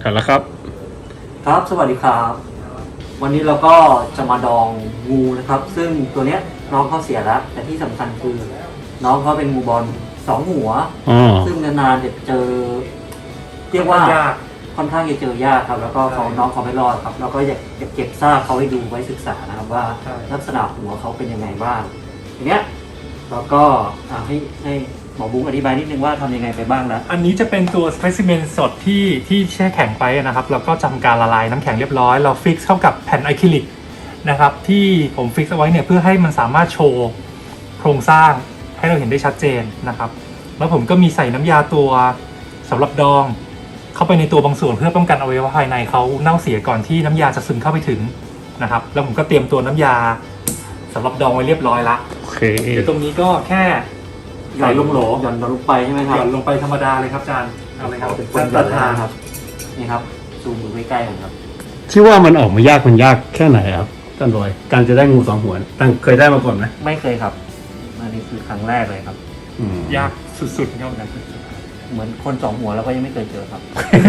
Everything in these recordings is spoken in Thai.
ถ่ายแล้วครับครับสวัสดีครับวันนี้เราก็จะมาดองงูนะครับซึ่งตัวเนี้ยน้องเขาเสียแล้วแต่ที่สำคัญคือน้องเขาเป็นงูบอล2 หัวซึ่งนานๆจะเจอเรียกว่าค่อนข้างจะเจอยากครับแล้วก็น้องเขาไม่รอดครับเราก็อยากเก็บซากเขาให้ดูไว้ศึกษานะครับว่าลักษณะหัวเขาเป็นยังไงบ้างทีเนี้ยเราก็ให้หมอบุ้งอธิบายนิดนึงว่าทำยังไงไปบ้างนะอันนี้จะเป็นตัวสเปซิเมนสดที่แช่แข็งไปนะครับแล้วก็ทำการละลายน้ำแข็งเรียบร้อยเราฟิกเข้ากับแผ่นอะคริลิกนะครับที่ผมฟิกเอาไว้เนี่ยเพื่อให้มันสามารถโชว์โครงสร้างให้เราเห็นได้ชัดเจนนะครับแล้วผมก็มีใส่น้ำยาตัวสำหรับดองเข้าไปในตัวบางส่วนเพื่อป้องกันอวัยวะภายในเขาเน่าเสียก่อนที่น้ำยาจะซึมเข้าไปถึงนะครับแล้วผมก็เตรียมตัวน้ำยาสำหรับดองไว้เรียบร้อยละโอเคเดี๋ยวตรงนี้ก็แค่ใส่ลงโหลหย่อนลงไปใช่ไหมครับหย่อนลงไปธรรมดาเลยครับอาจารย์เอาเลยครับเป็นคนประทานครับนี่ครับซูมดูใกล้ๆกันครับที่ว่ามันออกมายากมันยากแค่ไหนครับท่านบอยการจะได้งู2 หัวตั้งเคยได้มาก่อนไหมไม่เคยครับอันนี้คือครั้งแรกเลยครับยากสุดๆครับเหมือนคน2 หัวแล้วก็ยังไม่เคยเจอครับ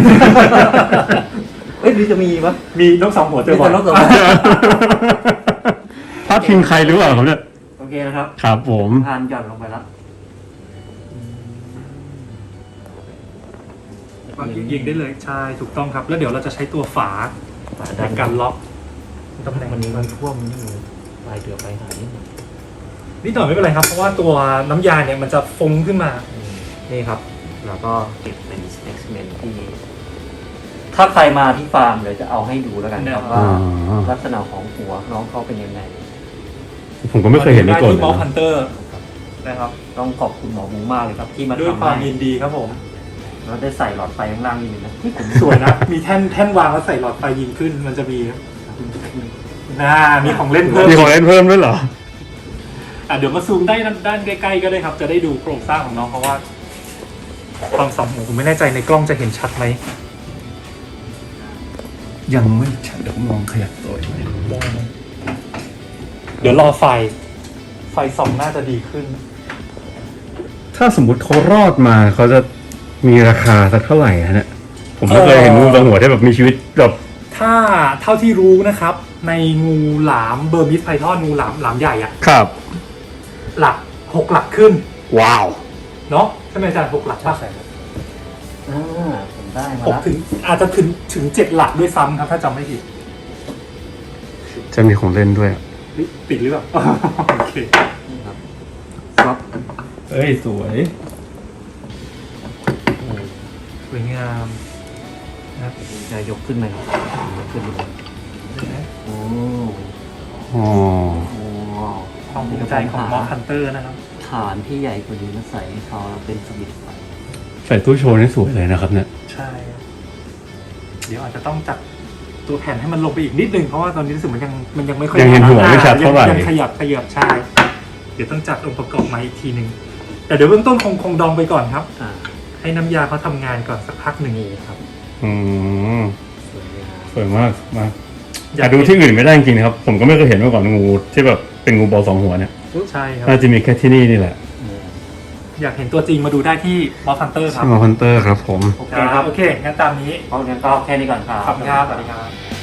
เอ้ยหรือจะมีปะมีนก2 หัวเจอบ่อยพลาดพิงใครหรือเปล่าครับเนี่ยโอเคนะครับครับผมทานหย่อนลงไปแล้วยิงได้เลยใช่ถูกต้องครับแล้วเดี๋ยวเราจะใช้ตัวฝาในการล็อกตำแหน่งวันนี้มันท่วมนี่ปลายเดือปลายหายนิดหน่อยไม่เป็นไรครับเพราะว่าตัวน้ำยาเนี่ยมันจะฟงขึ้นมานี่ครับแล้วก็เก็บเป็นสเปซิเมนที่ถ้าใครมาที่ฟาร์มเดี๋ยวจะเอาให้ดูแล้วกันครับว่าลักษณะของหัวน้องเขาเป็นยังไงผมก็ไม่เคยเห็นในกฎที่มอลฮันเตอร์นะครับต้องขอบคุณหมอบุ้งมากเลยครับที่มาทำให้ด้วยความยินดีครับผมเราได้ใส่หลอดไฟข้างล่างนี่นะที่ผมสวยนะมีแท่นวางแล้วใส่หลอดไฟยิงขึ้นมันจะมีมีของเล่นเพิ่มด้วยเหรอเดี๋ยวมาซูมได้ด้านใกล้ๆก็ได้ครับจะได้ดูโครงสร้างของน้องเพราะว่าความสองหูผมไม่แน่ใจในกล้องจะเห็นชัดไหมยังไม่ชัดเดี๋ยวมองขยับตัวอีกหน่อยเดี๋ยวรอไฟส่องน่าจะดีขึ้นถ้าสมมุติเขารอดมาเขาจะมีราคาสักเท่าไหร่ฮะเนี่ยผมไม่เคยเห็นงูตัวหัวที่แบบมีชีวิตแบบถ้าเท่าที่รู้นะครับในงูหลามเบอร์มิสไพทอนงูหลามใหญ่อะครับหลัก6 หลักขึ้นว้าวเนาะใช่ไหมอาจารย์6 หลักป่ะใช่ครับผมได้มา 6 ถึงอาจจะถึง7 หลักด้วยซ้ำครับถ้าจำไม่ผิดจะมีของเล่นด้วยติดหรือเปล่าโอเคครับเอ้ยสวยสวยงามนะครับจะยกขึ้นไหมครับขึ้นเลยโอ้ความภูมิใจของมอสฮันเตอร์นะครับฐานที่ใหญ่กว่านี้มาใส่ให้เขาเป็นสวิตช์ไฟใส่ตู้โชว์นี่สวยเลยนะครับเนี่ยใช่เดี๋ยวอาจจะต้องจัดตัวแผ่นให้มันลงไปอีกนิดนึงเพราะว่าตอนนี้รู้สึกมันยังไม่ค่อยยังเห็นหัวไม่ชัดเท่าไหร่ยังขยับใช่เดี๋ยวต้องจัดองค์ประกอบมาอีกทีนึงแต่เดี๋ยวเบื้องต้นคงดองไปก่อนครับให้น้ำยาเขาทำงานก่อนสักพักหนึ่งครับสวยมากอยากดูที่อื่นไม่ได้จริงๆนะครับผมก็ไม่เคยเห็นมาก่อนงูที่แบบเป็นงูบอล2 หัวเนี่ยใช่ครับน่าจะมีแค่ที่นี่แหละอยากเห็นตัวจริงมาดูได้ที่มอสฮันเตอร์ครับมอสฮันเตอร์ครับผมโอเคครับโอเคงั้นตามนี้เอางั้นก็แค่นี้ก่อนครับขอบคุณครับสวัสดีครับ